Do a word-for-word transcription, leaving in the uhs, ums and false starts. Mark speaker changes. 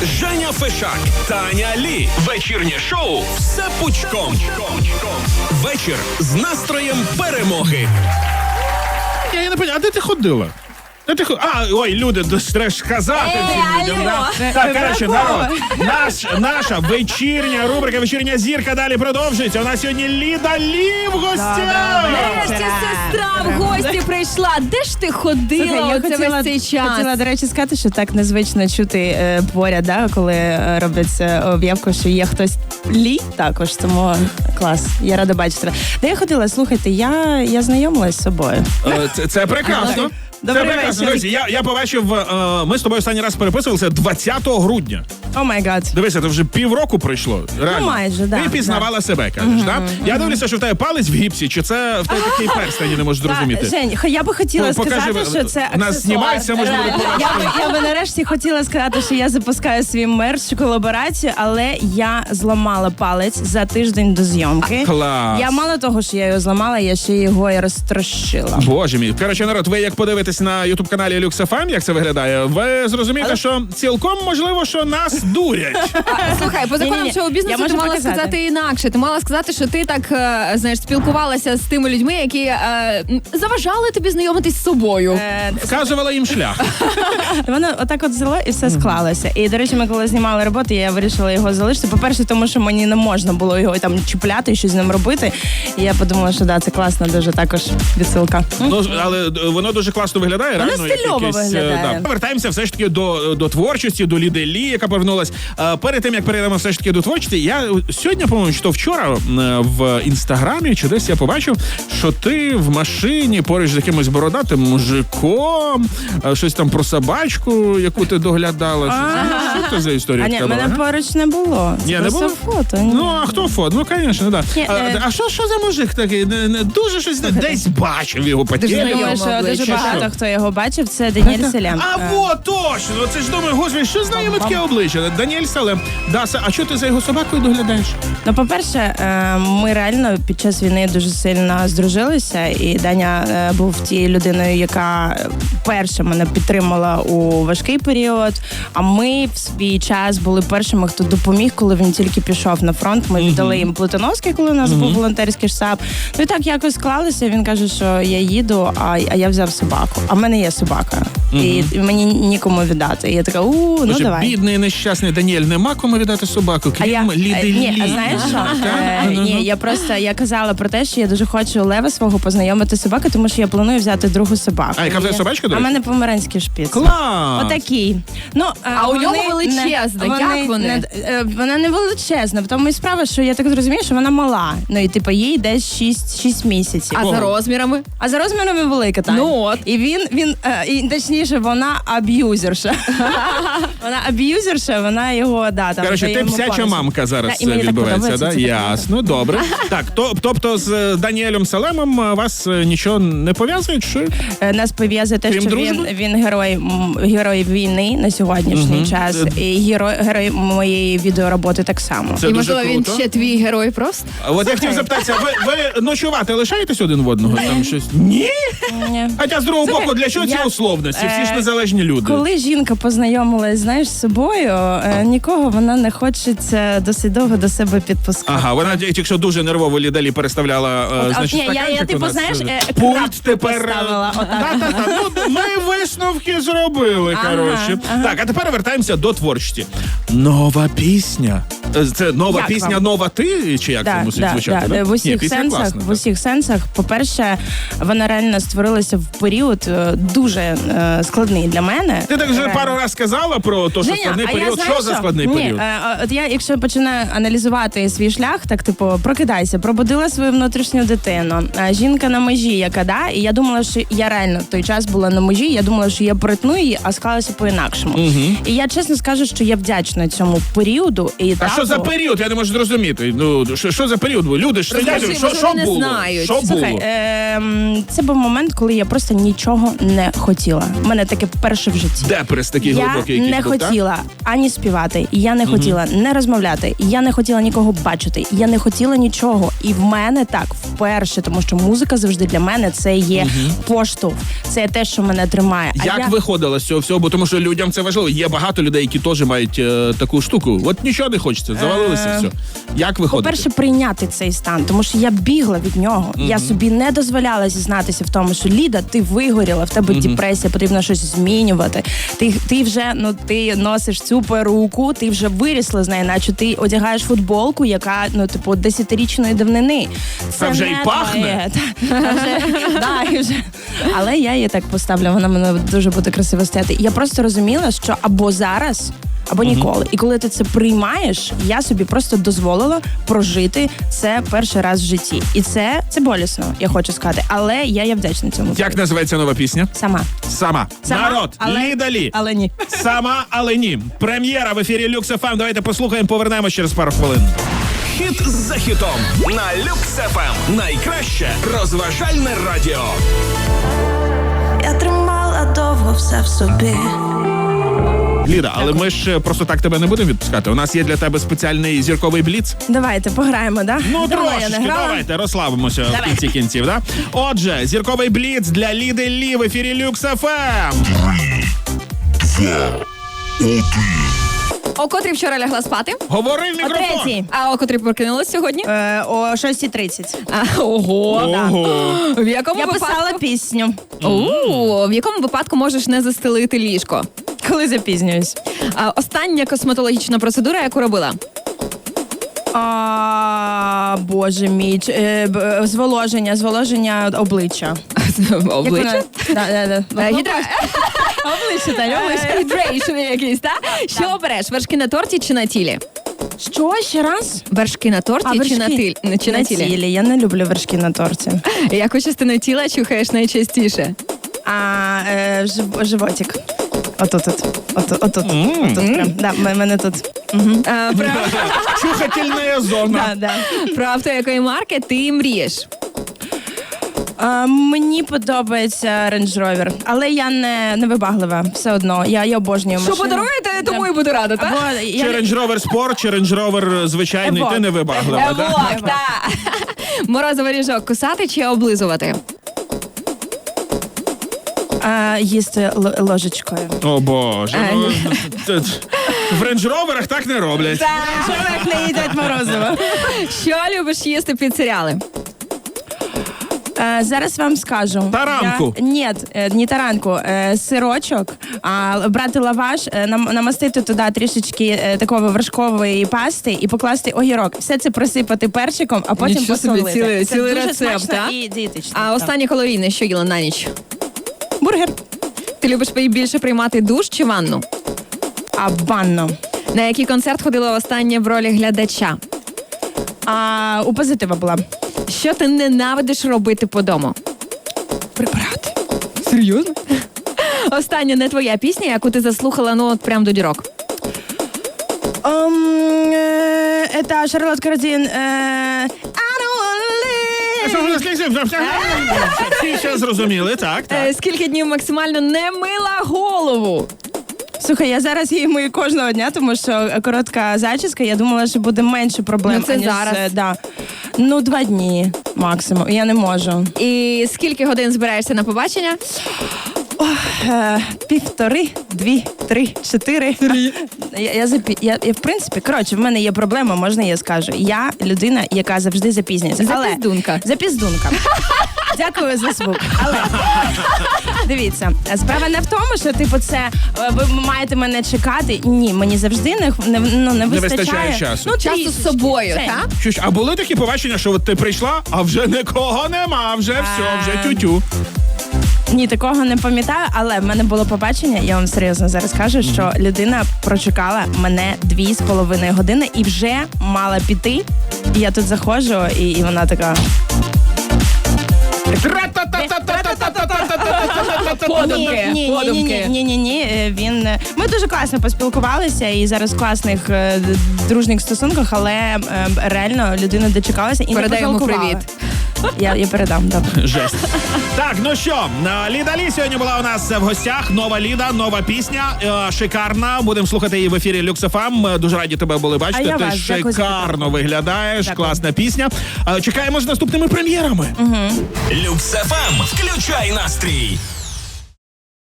Speaker 1: Женя Фешак, Таня Лі. Вечірнє шоу «Все пучком». Вечір з настроєм перемоги.
Speaker 2: Я, я не пам'ятаю, а де ти ходила? Де ти ходила? А, ой, люди, треба ж казати всім людям. Да? Так, коротше, народ, наш, наша вечірня рубрика «Вечірня зірка» далі продовжується. У нас сьогодні Ліда Лі в гостях.
Speaker 3: Нарешті сестра в гості прийшла. Де ж ти ходила?
Speaker 4: Слухай, я
Speaker 3: оце
Speaker 4: хотіла,
Speaker 3: весь цей час?
Speaker 4: хотіла, до речі, сказати, що так незвично чути е, поряд, да, коли е, робиться об'явка, що є хтось Лі також, тому клас, я рада бачити тебе. Де я ходила? Слухайте, я, я знайомилась з собою.
Speaker 2: Е, Це, це прекрасно.
Speaker 4: Добрий
Speaker 2: Це прекрасно.
Speaker 4: вечір.
Speaker 2: Друзі, я, я побачив, е, ми з тобою останній раз переписувалися двадцятого грудня.
Speaker 4: О май гад.
Speaker 2: Дивися, це вже півроку пройшло. Реально.
Speaker 4: Ну, майже, да,
Speaker 2: Ти пізнавала
Speaker 4: да.
Speaker 2: себе, кажеш, mm-hmm. так? Я дивлюся, що в тебе палець в гіпсі, чи це в тебе такий перстень, не можеш зрозуміти.
Speaker 4: Жень, я би хотіла
Speaker 2: Покажи,
Speaker 4: сказати, що це
Speaker 2: у нас
Speaker 4: аксесуар.
Speaker 2: знімається, може буде
Speaker 4: Реально. Я би, я би нарешті хотіла сказати, що я запускаю свій мерч, колаборацію, але я зламала палець за тиждень до зйомки.
Speaker 2: Клас.
Speaker 4: Я мало того, що я його зламала, я ще його і розтрощила.
Speaker 2: Боже мій. Коротше, народ, ви як подивитесь на ютуб-каналі Люкс еф ем, як це виглядає, ви зрозумієте, але... що цілком можливо, що нас дурять.
Speaker 3: А, слухай, по законам
Speaker 4: Ні-ні-ні.
Speaker 3: шоу-бізнесу
Speaker 4: Я
Speaker 3: ти
Speaker 4: можу
Speaker 3: мала
Speaker 4: показати.
Speaker 3: сказати інакше. Ти мала сказати, що ти так, е, знаєш, спілкувалася з тими людьми, які е, м, заважали тобі знайомитись з собою.
Speaker 4: Е,
Speaker 2: Вказувала їм шлях.
Speaker 4: Воно отак от взяло і все склалося. І, до речі, ми коли знімали роботу, я вирішила його залишити. По-перше, тому що мені не можна було його там чіпляти і щось з ним робити. І я подумала, що да, це класна дуже також відсилка.
Speaker 2: Ну, але воно дуже класно виглядає.
Speaker 4: Воно
Speaker 2: реально, як
Speaker 4: стильово
Speaker 2: якийсь, е,
Speaker 4: виглядає.
Speaker 2: Да. Повертаємося все ж таки до, до творчості, до Ліди Лі, яка повернулась. Е, Перед тим, як перейдемо все ж таки до творчості, я сьогодні, по-моєму, чи то вчора е, в інстаграмі, чи десь я побачив, що ти в машині поруч з якимось бородатим мужиком, е, щось там про собачку, яку ти доглядала. Що, що це за історія?
Speaker 4: А ні,
Speaker 2: така
Speaker 4: мене
Speaker 2: була, га?
Speaker 4: поруч не було. Це
Speaker 2: Ні, не
Speaker 4: просто
Speaker 2: було?
Speaker 4: фото. Ні.
Speaker 2: Ну, а хто фото? Ну, звісно, да.
Speaker 4: Ні,
Speaker 2: А,
Speaker 4: е,
Speaker 2: а що, що за мужик такий? Не, не, дуже щось, не, десь бачив його по
Speaker 3: Дуже
Speaker 2: телевізору.
Speaker 4: Я думаю,
Speaker 3: знайоме
Speaker 4: що дуже
Speaker 3: обличчя.
Speaker 4: багато
Speaker 2: Що?
Speaker 4: хто його бачив. Це Даніель Селям.
Speaker 2: А
Speaker 4: Е,
Speaker 2: вот точно! Це ж думаю, господи, що знаємо таке обличчя? Даніель Салем. Да, а що ти за його собакою доглядаєш?
Speaker 4: Ну, по-перше, е, ми реально під час війни дуже сильно здружилися, і Даня е, був тією людиною, яка перша мене підтримала у важкий період. А ми в свій час були першими, хто допоміг, коли він тільки пішов на фронт. Ми віддали їм Плитоновський, коли у нас був волонтерський штаб. Ну і так якось склалося. Він каже, що я їду, а, а я взяв собаку. А в мене є собака. І, і мені нікому віддати. І я така, у, ну
Speaker 2: Боже,
Speaker 4: давай.
Speaker 2: бідний, нещасний Даніель, нема кому віддати собаку,
Speaker 4: А я,
Speaker 2: крім Ліди
Speaker 4: е, ні,
Speaker 2: Лі.
Speaker 4: а знаєш що?
Speaker 2: Так?
Speaker 4: Е,
Speaker 2: Ага.
Speaker 4: ні, я просто я казала про те, що я дуже хочу Лева свого познайомити з собакою, тому що я планую взяти другу собаку.
Speaker 2: А яка в тебе
Speaker 4: Я-
Speaker 2: собачка, до
Speaker 4: А в
Speaker 2: речі?
Speaker 4: мене померанський шпіц.
Speaker 2: Клас!
Speaker 4: Отакий. Ну,
Speaker 3: А у
Speaker 4: вони
Speaker 3: нього величезна.
Speaker 4: не-
Speaker 3: Як вони?
Speaker 4: Не, е, вона не величезна, в тому і справа, що я так зрозумію, що вона мала. Ну і типу їй десь шість місяців.
Speaker 3: А
Speaker 2: Ого.
Speaker 3: за розмірами?
Speaker 4: А за розмірами велика Таня.
Speaker 3: Ну от.
Speaker 4: І він, він е, і, точніше, вона аб'юзерша. Вона аб'юзерша, вона його, да, там.
Speaker 2: Коротше,
Speaker 4: дає
Speaker 2: ти
Speaker 4: йому
Speaker 2: псяча
Speaker 4: понос.
Speaker 2: мамка зараз
Speaker 4: Да, і мені так
Speaker 2: відбувається,
Speaker 4: подобається,
Speaker 2: да?
Speaker 4: це так
Speaker 2: Ясно, добре. Так, то, тобто з Даніелем Салемом е, вас е, нічого не пов'язує? Чи?
Speaker 4: Е, Нас пов'язує те,
Speaker 2: Крім
Speaker 4: що він,
Speaker 2: дружби?
Speaker 4: він герой, м, герой війни на сьогоднішній
Speaker 2: Мгм.
Speaker 4: час, і герой, герой моєї відеороботи так само.
Speaker 2: Це
Speaker 3: І,
Speaker 2: дуже
Speaker 3: можливо, він
Speaker 2: круто.
Speaker 3: ще твій герой просто?
Speaker 2: А от я хотів запитатися, ви, ви ночувати лишаєтесь один в одного? Там щось? Ні?
Speaker 4: Ні.
Speaker 2: Хоча з другого
Speaker 4: Слухай,
Speaker 2: боку, для чого ці
Speaker 4: я-
Speaker 2: условності? Всі ж
Speaker 4: е,
Speaker 2: незалежні люди.
Speaker 4: Коли жінка познайомилась, знаєш, з собою, е, нікого вона не хочеться досить довго до себе підпускати.
Speaker 2: Ага, вона тільки що дуже нервово Лідалі переставляла, е,
Speaker 4: От,
Speaker 2: значить,
Speaker 4: ні, я- я,
Speaker 2: стаканчик
Speaker 4: типу,
Speaker 2: у нас.
Speaker 4: знаєш, е,
Speaker 2: Пульт
Speaker 4: крапку
Speaker 2: тепер.
Speaker 4: поставила, отак.
Speaker 2: Та-та-та, ну, ми висновки зробили,
Speaker 4: Ага,
Speaker 2: коротше.
Speaker 4: ага.
Speaker 2: Так, а тепер вертаємося до творчості. Нова пісня. Е, Це нова
Speaker 4: Як
Speaker 2: пісня,
Speaker 4: вам?
Speaker 2: нова ти? Чи як це
Speaker 4: Да,
Speaker 2: мусить
Speaker 4: да,
Speaker 2: звучати?
Speaker 4: да,
Speaker 2: да?
Speaker 4: в
Speaker 2: Ні,
Speaker 4: усіх
Speaker 2: пісня
Speaker 4: сенсах,
Speaker 2: класна,
Speaker 4: в
Speaker 2: так.
Speaker 4: усіх сенсах. По-перше, вона реально створилася в період е, дуже е, складний для мене.
Speaker 2: Ти так вже
Speaker 4: Реально.
Speaker 2: пару разів сказала про те, що
Speaker 4: Женя,
Speaker 2: складний
Speaker 4: а я
Speaker 2: період.
Speaker 4: знаю,
Speaker 2: Що за складний
Speaker 4: Ні,
Speaker 2: період?
Speaker 4: е, е, от я, якщо починаю аналізувати свій шлях, так типу, прокидайся, пробудила свою внутрішню дитину. Е, Жінка на межі, яка да, і я думала, що я реально в той час була на межі. Я думала, що я перетну її, а склалося по-інакшому.
Speaker 2: Мгм.
Speaker 4: І я чесно скажу, що я вдячна цьому періоду і
Speaker 2: А
Speaker 4: етапу.
Speaker 2: що за період? Я не можу зрозуміти. Ну, що, що за період був? Люди ж
Speaker 3: Розкажи,
Speaker 2: сидять, що,
Speaker 3: може,
Speaker 2: що
Speaker 3: вони не
Speaker 2: було?
Speaker 3: знають.
Speaker 2: Що
Speaker 4: Слухай,
Speaker 2: було?
Speaker 4: ем, це був момент, коли я просто нічого не хотіла. У мене таке перше в житті.
Speaker 2: Депрес такий
Speaker 4: Я
Speaker 2: глибокий якийсь
Speaker 4: не
Speaker 2: був, так?
Speaker 4: хотіла ані ані співати, я не хотіла не розмовляти, я не хотіла нікого бачити, я не хотіла нічого. І в мене так вперше, тому що музика завжди для мене це є поштовх, це те, що мене тримає. А
Speaker 2: Як
Speaker 4: я...
Speaker 2: виходила з цього всього? Бо тому що людям це важливо. Є багато людей, які теж мають е, таку штуку. От нічого не хочеться, завалилося
Speaker 4: Е,
Speaker 2: все. Як виходити?
Speaker 4: По-перше, прийняти цей стан, тому що я бігла від нього. Я собі не дозволяла зізнатися в тому, що Ліда, ти вигоріла, в тебе депресія, потрібно щось змінювати. Ти, ти вже ну ти носиш цю перуку, ти вже вирісла з нею, наче ти одягаєш футболку, яка ну типу десятирічної давнини.
Speaker 2: Та вже
Speaker 4: не
Speaker 2: й пахне.
Speaker 4: твоє. Та, та вже, да, і вже. Але я її так поставлю, вона мене дуже буде красиво стояти. Я просто розуміла, що або зараз. Або ніколи. І коли ти це приймаєш, я собі просто дозволила прожити це перший раз в житті. І це, це болісно, я хочу сказати. Але я є вдячна цьому.
Speaker 2: Як називається нова пісня?
Speaker 4: Сама.
Speaker 2: Сама.
Speaker 4: Сама,
Speaker 2: Народ,
Speaker 4: але-
Speaker 2: Ліда Лі.
Speaker 4: Але ні.
Speaker 2: Сама, але ні. Прем'єра в ефірі Люкс еф ем. Давайте послухаємо, повернемось через пару хвилин.
Speaker 1: Хіт за хітом на Люкс еф ем. Найкраще розважальне радіо.
Speaker 5: Я тримала довго все в собі.
Speaker 2: Ліда, але ми ж е, просто так тебе не будемо відпускати. У нас є для тебе спеціальний зірковий бліц.
Speaker 4: Давайте пограємо, да?
Speaker 2: Ну,
Speaker 4: Давно я
Speaker 2: трошечки,
Speaker 4: не грала.
Speaker 2: давайте, розслабимося в кінці кінців, да? Отже, зірковий бліц для Ліди Лі в ефірі Люкс еф ем.
Speaker 3: О котрій вчора лягла спати,
Speaker 2: Говори в
Speaker 4: О
Speaker 2: мікрофон.
Speaker 4: третій.
Speaker 3: а о котрій прокинулась сьогодні.
Speaker 4: Е, о шостій тридцять.
Speaker 3: А, ого.
Speaker 2: Ого.
Speaker 3: В якому
Speaker 4: Я
Speaker 3: випадку...
Speaker 4: писала пісню.
Speaker 3: У, в якому випадку можеш не застелити ліжко?
Speaker 4: Коли запізнююсь.
Speaker 3: А, остання косметологічна процедура, яку робила?
Speaker 4: А, боже мій. Ч- е, б- е, зволоження, зволоження обличчя.
Speaker 3: Обличчя?
Speaker 4: Як вона- Да, да, да.
Speaker 3: Е, гідра...
Speaker 4: Обличчя, та обличчя.
Speaker 3: Е, Гідрейшн якийсь, так? Що обереш, вершки на торті чи на тілі?
Speaker 4: Що, ще раз?
Speaker 3: Вершки на торті чи на тілі? Чи на тілі?
Speaker 4: Я не люблю вершки на торті.
Speaker 3: Яку частину тіла чухаєш найчастіше?
Speaker 4: А е, жив, животик. Отут, от, отут, отут, отут прям. Да, м- мене тут. Угу.
Speaker 3: А, про...
Speaker 2: Чухательна зона.
Speaker 4: Да, да.
Speaker 3: про авто якої марки ти мрієш?
Speaker 4: А, мені подобається Range Rover, але я не, не вибаглива все одно. Я, я обожнюю
Speaker 3: Що
Speaker 4: машину.
Speaker 3: подаруєте, тому і буду рада, так?
Speaker 4: Або
Speaker 2: Чи
Speaker 4: я,
Speaker 2: Range Rover Sport, чи Range Rover звичайний,
Speaker 4: Evoque.
Speaker 2: ти не вибаглива,
Speaker 3: Евок,
Speaker 2: да?
Speaker 3: так. Морозовий ріжок кусати чи облизувати?
Speaker 4: а, їсти л- ложечкою.
Speaker 2: О боже,
Speaker 3: Е.
Speaker 2: ну, це- в Range Roverах так не роблять.
Speaker 4: Чоловік не їдять морозиво.
Speaker 3: Що любиш їсти під серіали?
Speaker 4: Е, зараз вам скажу.
Speaker 2: Таранку.
Speaker 4: Я... Ні, е, не таранку, е, сирочок, а брати лаваш, е, нам, намастити туди трішечки е, такої вершкової пасти і покласти огірок. Все це присипати перчиком, а потім
Speaker 3: Нічого собі,
Speaker 4: посолити.
Speaker 3: цілий-
Speaker 4: Це
Speaker 3: цілий
Speaker 4: дуже
Speaker 3: рецепт,
Speaker 4: смачно
Speaker 3: а?
Speaker 4: і дієтично.
Speaker 3: А
Speaker 4: так.
Speaker 3: останнє калорійне, що їла на ніч?
Speaker 4: Бургер.
Speaker 3: Ти любиш більше приймати душ чи ванну?
Speaker 4: А банно.
Speaker 3: На який концерт ходила останнє в ролі глядача?
Speaker 4: А у позитива була.
Speaker 3: Що ти ненавидиш робити по дому?
Speaker 4: Прибирати.
Speaker 3: Серйозно? Остання не твоя пісня, яку ти заслухала, ну от прям до дірок.
Speaker 4: Um, е, це Шарлот Кардін. Е, I don't wanna live.
Speaker 2: Всі ще зрозуміли, так, так.
Speaker 3: Е, скільки днів максимально не мила голову?
Speaker 4: Слухай, я зараз її мию кожного дня, тому що коротка зачіска, я думала, що буде менше проблем.
Speaker 3: Ну, це
Speaker 4: аніж,
Speaker 3: зараз.
Speaker 4: е, Да. Ну, два дні максимум. Я не можу.
Speaker 3: І скільки годин збираєшся на побачення?
Speaker 4: Е, півтори, дві, три, чотири. Я, я, запі... я, я, в принципі, коротше, в мене є проблема, можна я скажу. Я людина, яка завжди запізнюється. Але-
Speaker 3: Запіздунка.
Speaker 4: Запіздунка. Дякую за звук. Але дивіться, справа не в тому, що типу це е, ви маєте мене чекати. Ні, мені завжди не не, ну, не вистачає.
Speaker 2: вистачає часу.
Speaker 4: Ну,
Speaker 3: Часу з
Speaker 4: трішечки.
Speaker 3: собою,
Speaker 4: Це-
Speaker 3: так?
Speaker 2: Що ж, а були такі побачення, що от ти прийшла, а вже нікого нема, вже все, вже тютю.
Speaker 4: Ні, такого не пам'ятаю, але в мене було побачення, я вам серйозно зараз кажу, що людина прочекала мене дві з половиною години і вже мала піти. І я тут заходжу, і, і вона така.
Speaker 3: Подумки,
Speaker 4: Ні, ні, ні, ні,
Speaker 3: подумки.
Speaker 4: ні, ні, ні. е, Він е, ми дуже класно поспілкувалися і зараз в класних е, д- дружніх стосунках, але е, реально людина дочекалася і
Speaker 3: Передай
Speaker 4: не
Speaker 3: йому
Speaker 4: пожалкувала.
Speaker 3: привіт.
Speaker 4: Я, я передам, добре.
Speaker 2: Жесть. Так, ну що, е, Ліда Лі сьогодні була у нас в гостях. Нова Ліда, нова пісня, е, шикарна. Будемо слухати її в ефірі Люкс еф ем. Е, Дуже раді тебе були бачити.
Speaker 4: А я
Speaker 2: Ти
Speaker 4: вас. Дякую за
Speaker 2: шикарно
Speaker 4: підтримку.
Speaker 2: виглядаєш,
Speaker 4: Дякую.
Speaker 2: класна пісня. Е, Чекаємо з наступними прем'єрами.
Speaker 1: Люкс еф ем. Включай настрій.